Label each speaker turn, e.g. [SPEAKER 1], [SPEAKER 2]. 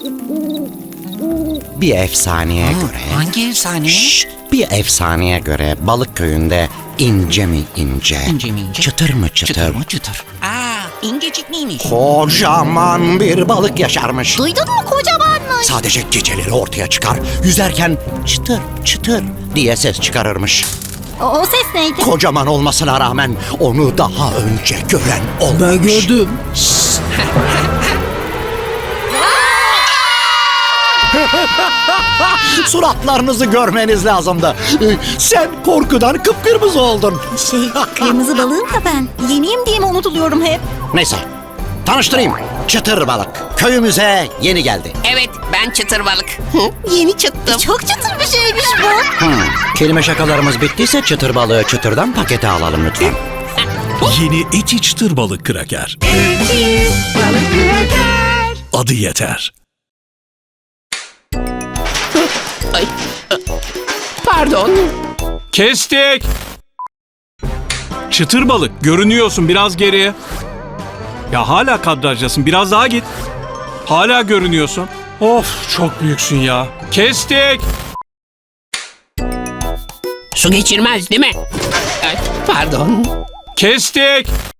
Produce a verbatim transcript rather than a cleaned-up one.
[SPEAKER 1] Bir efsaneye göre...
[SPEAKER 2] Hangi efsane?
[SPEAKER 1] Şşt, bir efsaneye göre balık köyünde ince mi ince,
[SPEAKER 2] İnce mi ince?
[SPEAKER 1] çıtır mı çıtır,
[SPEAKER 2] Çıtır mı çıtır? Aa, incecik miymiş?
[SPEAKER 1] kocaman bir balık yaşarmış.
[SPEAKER 3] Duydun mu, kocamanmış.
[SPEAKER 1] Sadece geceleri ortaya çıkar. Yüzerken çıtır çıtır diye ses çıkarırmış.
[SPEAKER 3] O, o ses neydi?
[SPEAKER 1] Kocaman olmasına rağmen onu daha önce gören olmamış.
[SPEAKER 4] Ben gördüm.
[SPEAKER 1] Suratlarınızı görmeniz lazımdı. Ee, Sen korkudan kıpkırmızı oldun.
[SPEAKER 3] Şey, kırmızı balığım da ben. Yeniyim diye mi unutuluyorum hep?
[SPEAKER 1] Neyse, tanıştırayım. Çıtır balık. Köyümüze yeni geldi.
[SPEAKER 2] Evet, ben çıtır balık. Yeni çıttım.
[SPEAKER 3] Çok çıtır bir şeymiş bu.
[SPEAKER 1] Hmm, kelime şakalarımız bittiyse çıtır balığı çıtırdan pakete alalım lütfen.
[SPEAKER 5] Yeni eti çıtır balık kraker. Adı yeter.
[SPEAKER 2] Ay, pardon.
[SPEAKER 6] Kestik. Çıtır balık görünüyorsun, biraz geriye. Ya hala kadrajdasın, biraz daha git. Hala görünüyorsun. Of, çok büyüksün ya. Kestik.
[SPEAKER 2] Su geçirmez değil mi? Ay, pardon.
[SPEAKER 6] Kestik.